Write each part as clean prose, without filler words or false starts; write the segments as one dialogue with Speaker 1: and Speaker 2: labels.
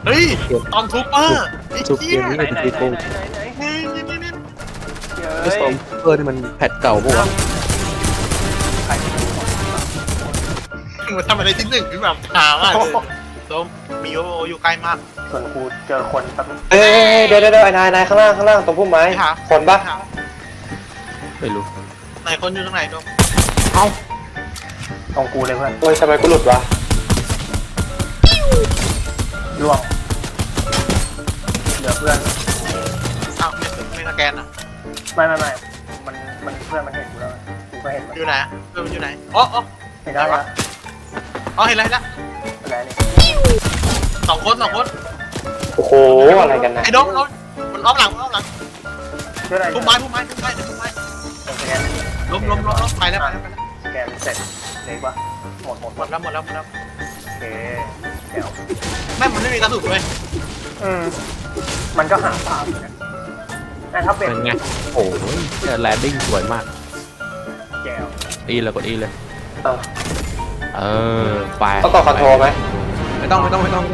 Speaker 1: เฮ้ยตอมทูเปอร์ไอ้
Speaker 2: ชุบเก
Speaker 1: เหี้ย
Speaker 2: มนี้
Speaker 3: ไหน
Speaker 2: เป็น
Speaker 3: ไหน
Speaker 2: ตีโกง
Speaker 3: ไหนไหนไหน
Speaker 1: นี่
Speaker 2: ไอ้สองเออนี่มันแพทเก่าปะวะ
Speaker 3: ใครที่ดู
Speaker 1: มันทำอะไรที่หนึ่งพี่แบบถามอ่ะโดมมีโออยู่ใกล้มาก
Speaker 3: ส่วนกูเจอคนแป๊บ
Speaker 4: เอ้ยเดี๋ยวไอ้นายข้างล่างตรงพุ่มไม้
Speaker 1: ไม่หา
Speaker 4: คนปะ
Speaker 2: ไม่รู้
Speaker 1: ไหนคนอยู่ตรงไหนโดม
Speaker 3: ตรงกูเลยเพื่อน
Speaker 4: โอ้ยทำไมกูหลุดวะ
Speaker 3: ล่วงเหลือเพื่อน
Speaker 1: อ้าวไม่สแกนอ่ะ
Speaker 3: ไม่มันเพื่อนมันเห็นกูแล้วกูก็เห็นมัน
Speaker 1: อยู่ไหนเพื่อนมันอยู่ไหนอ๋อ
Speaker 3: เห็นได้ปะ
Speaker 1: อ๋อเห็นแล้ว
Speaker 3: อะไรนี่
Speaker 1: สองคน
Speaker 4: โอ้โหอะไรกันนะ
Speaker 1: ไอ้โดมมันอ้อมหลัง
Speaker 3: เพื่อนอะไร
Speaker 1: พุ่มไม้ล้มไปแล้ว
Speaker 3: สแกนเสร็จเล็กปะหมด
Speaker 1: หมดแล้ว
Speaker 3: โอเคเดี๋ยว
Speaker 1: แม่มันไม่มีกระสุนเลย
Speaker 3: มันก็หาภาพอยู่นะแต่ถ้าเป็น
Speaker 2: เป็นไงโอ้ยแลนดิ้งสวยมาก
Speaker 3: แก้ว
Speaker 2: อีเลยกดอีเลย
Speaker 4: อ้าว
Speaker 2: เออไป
Speaker 4: ต้องกดคอนโทรไหม
Speaker 2: ไม่ต้อง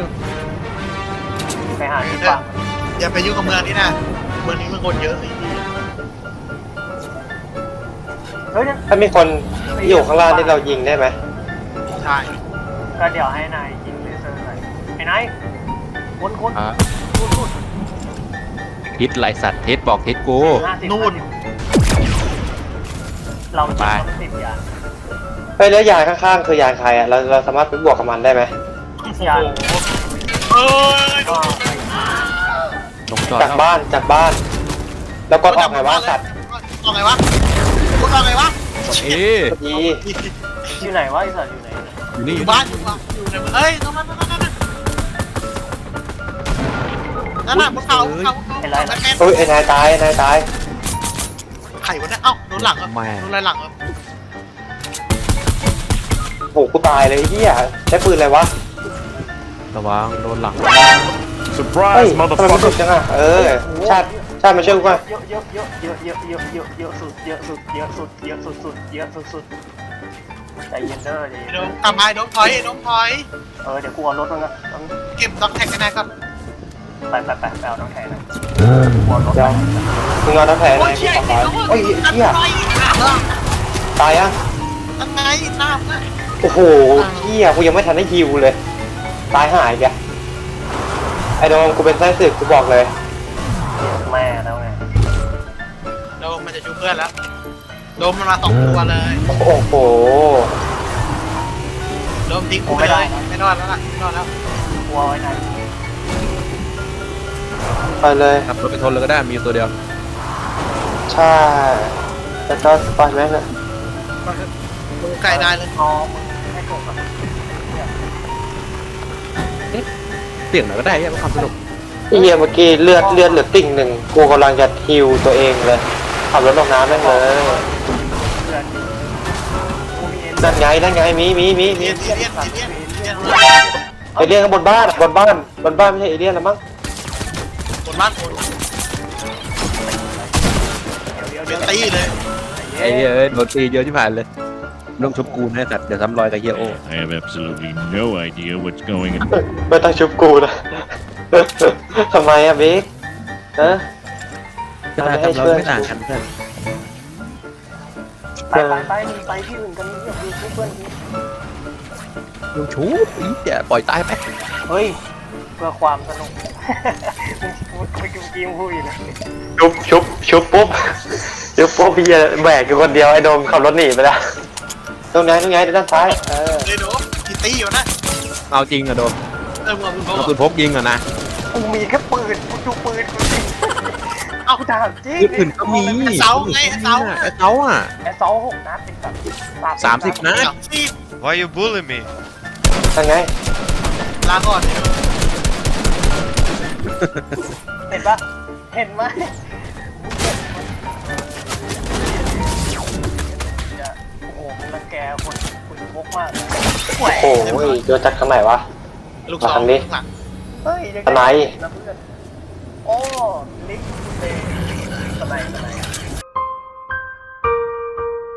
Speaker 3: ไปหาที่ฟัง
Speaker 1: อย่าไปยุ่งกับเมืองนี้นะเมืองนี้มันคนเยอะไอ้ที่
Speaker 3: เฮ้ย
Speaker 4: ถ้ามีคนอยู่ข้างล่างที่เรายิงได้ไหม
Speaker 1: ใช่
Speaker 3: ก็เดี๋ยวให้นายยิงเลเซอร์ใส่ไอ้นายคน
Speaker 2: อ่ะ
Speaker 3: พูด
Speaker 2: ทิศไรสัตว์ทิศบอกทิศกู
Speaker 1: นู่น
Speaker 3: เราจะต้องติดยา
Speaker 4: เฮ้ยแล้วยานข้างๆคือยานใครอ่ะเราสามารถไปบวกกับมันได้ไหม
Speaker 1: โอ้โหเอ้ย
Speaker 3: ก็
Speaker 2: ลงจอด
Speaker 4: จากบ้านแล้วก็ออกไงวะสัตว์
Speaker 1: ออกไงวะกดออกไงวะ
Speaker 2: เอ๊ะ
Speaker 4: ดี
Speaker 3: อยู่ไหนวะไอ้สัตว์อยู่ไหน
Speaker 2: อยู่นี่
Speaker 1: อยู่บ้านอยู่ในเอ้ยตรงนั้นนั่นน่ะบนเขาแม่
Speaker 4: เฮ้ยไอ้นายตาย
Speaker 1: ไข่วะเนี่ยเอ้าโดนหลังอ่ะโดนอะไรหลังอ่ะ
Speaker 4: โอ้โหกูตายเลยไอ้เหี้ยใช้ปืนอะไรวะ
Speaker 2: ระวังโดนหลัง
Speaker 4: เฮ้ยทำไมมันสุดจังอ่ะชาติมาช่วยกูก่อน
Speaker 3: เยอะสุดใจเย็นเด้อดิ
Speaker 1: โดมกลับมาโดมถอย
Speaker 3: เดี๋ยวกูเอารถมันก็
Speaker 1: เก็บด็อกแท็กกันได้ครับ
Speaker 3: ไปเอาน้องแทนนะกูเอารถ
Speaker 4: เดี๋ยวมึงเอาน้ำแผลไหน
Speaker 1: โอ้ยเชี่ย
Speaker 4: ขอร้อยโอ้ยเหี้ยตายอ่ะ
Speaker 1: นั่นไงน้ำนะ
Speaker 4: โอ้โหเหี้ยกูยังไม่ทันได้ฮิวเลยตายหายแกไอ้โดมกูเป็นไส้ศึกกูบอกเลย
Speaker 3: แม่แล้วไง
Speaker 1: โดมมันจะชูเพื่อนแล้วโดมมันมา2 ตัวเลย
Speaker 4: โอ้โห
Speaker 1: โดมทิ้งกูไปเลยไม่รอดแล้วล่ะไม่รอดแล้ว
Speaker 3: กูเอาไว้ไหน
Speaker 4: ไปเลย
Speaker 2: ขับรถไปทนเลยก็ได้มีตัวเดียว
Speaker 4: ใช่แล้วก็ปล่อยแม่งเลย
Speaker 1: ดูไก่ได้เลย
Speaker 3: งอมึงให้กบแบบ
Speaker 2: เสี่ยงหน่อยก็ได้ยังความสนุก
Speaker 4: ไอ้เหี้ยเมื่อกี้เลือดเหลือติ่งหนึ่งกูกำลังจะฮิวตัวเองเลยขับรถลงน้ำแม่งเลย
Speaker 3: เพื่อนกูมีเอ็น
Speaker 4: นั่นไงมี
Speaker 1: เรียน
Speaker 4: เอเลี่ยนข้างบนบ้านไม่ใช่เอเลี่ยนแล้วมั้ง
Speaker 1: บนบ้านคนเป็นตีเลย
Speaker 2: ไอ้เหี้ยเอ้ยโดนตีเยอะที่ผ่านเลยลงชุบกูนะสัตว์เดี๋ยวซ้ำรอยกับเฮียโอ
Speaker 5: I have absolutely no idea what's going on.
Speaker 4: ไม่ต้องชุบกูนะ ทำไมอะบิ๊กฮะ
Speaker 2: ก็ได้ทำเราไม่ต่างกันเพื่อน
Speaker 3: ไปที่อื่นกันเนี่ยดูเพื่อน
Speaker 2: ลงชูบอีเดี๋ยวปล่อยตายไป
Speaker 3: เฮ้ยเพื่อความสนุกมึงไปกินกินพูดอยู่นะ
Speaker 4: ชุบปุ๊บพี่แบกอยู่คนเดียวไอ้โดมขับรถหนีไปแล้วตรงไหนด้านซ้าย
Speaker 1: เลยโดมกี่ตีอยู่นะ
Speaker 2: เอาจริงอะโดม
Speaker 1: มึง
Speaker 2: เอาปืนพกยิงอะนะ
Speaker 3: กูมีแค่ปืนกูดูปืนกูสิ
Speaker 1: เอา
Speaker 3: กูถามจริง
Speaker 2: ปืนอื่นก็มี
Speaker 1: ไอ้เสาไงไอ้เสา
Speaker 2: ไอ้เสาอ่ะ
Speaker 3: ไอ้เสา6 นัดเป็นแบบ
Speaker 2: 30 นัด
Speaker 1: ที่
Speaker 5: Why you bully me?
Speaker 4: นั่นไง
Speaker 1: ลาก่อน
Speaker 3: เห็นปะเห็นไหมโอ้โหมึงรังแกคนพกมาก
Speaker 4: โอ้โหโดนจากทางไหนวะ
Speaker 1: ลูกสองหลัง
Speaker 3: เฮ้ย
Speaker 4: ทนาย
Speaker 3: โอ้ลิฟต์เตะทนาย